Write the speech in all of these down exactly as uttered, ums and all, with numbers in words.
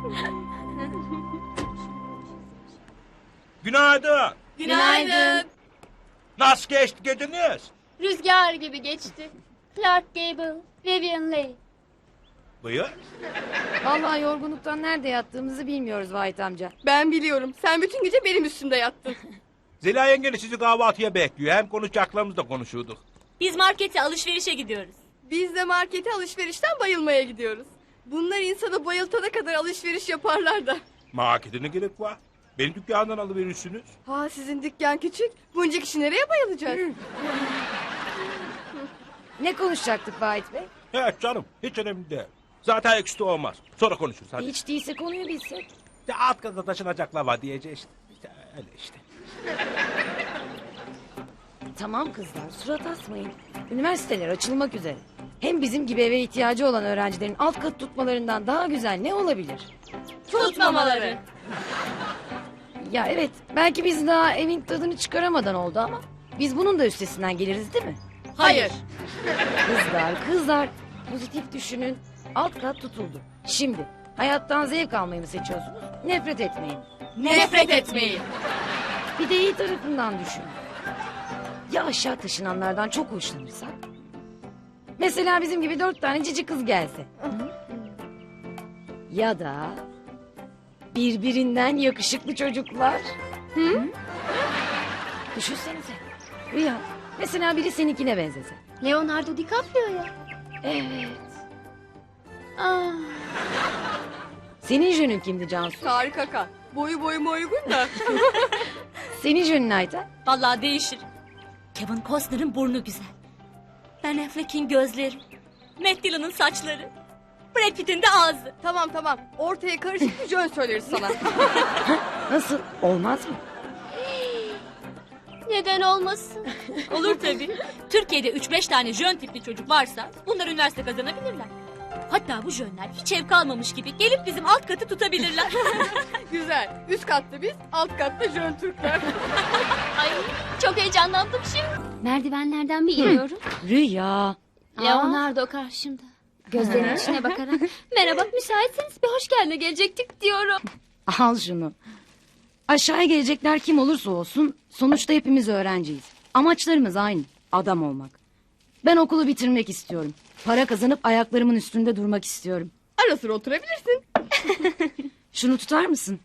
Günaydın. Günaydın. Nasıl geçti geceniz? Rüzgar gibi geçti. Clark Gable, Vivian Leigh. Buyur. Vallahi yorgunluktan nerede yattığımızı bilmiyoruz Vahit amca. Ben biliyorum. Sen bütün gece benim üstümde yattın. Zeliha yengeni sizi kahvaltıya bekliyor. Hem konuşacaklarımızı da konuşuyorduk. Biz markete alışverişe gidiyoruz. Biz de markete alışverişten bayılmaya gidiyoruz. Bunlar insanı bayıltana kadar alışveriş yaparlar da. Markete ne gerek var? Benim dükkandan alıverirsiniz. Ha sizin dükkan küçük. Bunca kişi nereye bayılacak? Ne konuşacaktık Vahit Bey? Evet canım, hiç önemli değil. Zaten ekşi olmaz. Sonra konuşuruz hadi. Hiç değilse konuyu bilsek. İşte alt kata taşınacaklar var diyeceğiz işte. İşte öyle işte. Tamam kızlar, surat asmayın. Üniversiteler açılmak üzere. Hem bizim gibi eve ihtiyacı olan öğrencilerin alt kat tutmalarından daha güzel ne olabilir? Tutmamaları. Ya evet, belki biz daha evin tadını çıkaramadan oldu ama... biz bunun da üstesinden geliriz değil mi? Hayır. Kızlar, kızlar. Pozitif düşünün. Alt kat tutuldu. Şimdi hayattan zevk almayı mı seçiyorsunuz? Nefret etmeyin. Nefret etmeyin. Bir de iyi tarafından düşünün. Ya aşağı taşınanlardan çok hoşlanırsak? Mesela bizim gibi dört tane cici kız gelse. Ya da birbirinden yakışıklı çocuklar. Hı? Düşünsenize. Rüya. Mesela biri seninkine benzese. Leonardo DiCaprio ya. Evet. Ah, Senin jönün kimdi Cansu? Tarık Akan. Boyu boyuma uygun da. Senin jönün Ayten? Vallahi değişir. Kevin Costner'ın burnu güzel. Ben Affleck'in gözleri. Matt Dillon'ın saçları. Brad Pitt'in de ağzı. Tamam tamam. Ortaya karışık bir jön söyleriz sana. Nasıl? Olmaz mı? neden olmasın? Olur tabii. Türkiye'de üç beş tane jön tipli çocuk varsa bunlar üniversite kazanabilirler. Hatta bu jönler hiç ev kalmamış gibi gelip bizim alt katı tutabilirler. Güzel. Üst katta biz, alt katta jön Türkler. Ay, çok heyecanlandım şimdi. Merdivenlerden bir iniyorum. Rüya. Leonardo karşımda. Gözlerinin içine bakarak merhaba müsaitseniz bir hoş geldine gelecektik diyorum. Al şunu. Aşağıya gelecekler kim olursa olsun sonuçta hepimiz öğrenciyiz. Amaçlarımız aynı. Adam olmak. Ben okulu bitirmek istiyorum. Para kazanıp ayaklarımın üstünde durmak istiyorum. Ara sıra oturabilirsin. Şunu tutar mısın?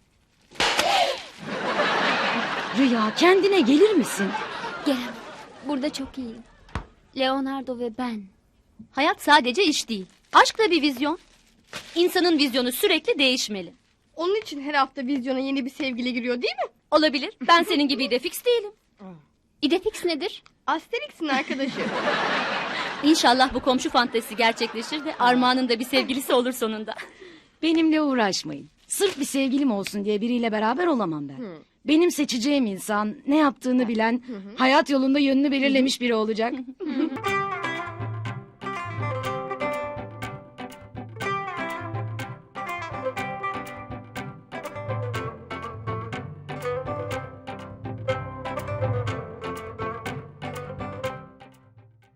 Rüya kendine gelir misin? Gelemem. Burada çok iyiyim. Leonardo ve ben. Hayat sadece iş değil. Aşk da bir vizyon. İnsanın vizyonu sürekli değişmeli. Onun için her hafta vizyona yeni bir sevgili giriyor değil mi? Olabilir. Ben senin gibi de fix değilim. İdefix nedir? Asterix'in arkadaşı. İnşallah bu komşu fantezisi gerçekleşir de Armağan'ın da bir sevgilisi olur sonunda. Benimle uğraşmayın. Sırf bir sevgilim olsun diye biriyle beraber olamam ben. Benim seçeceğim insan ne yaptığını bilen, hayat yolunda yönünü belirlemiş biri olacak.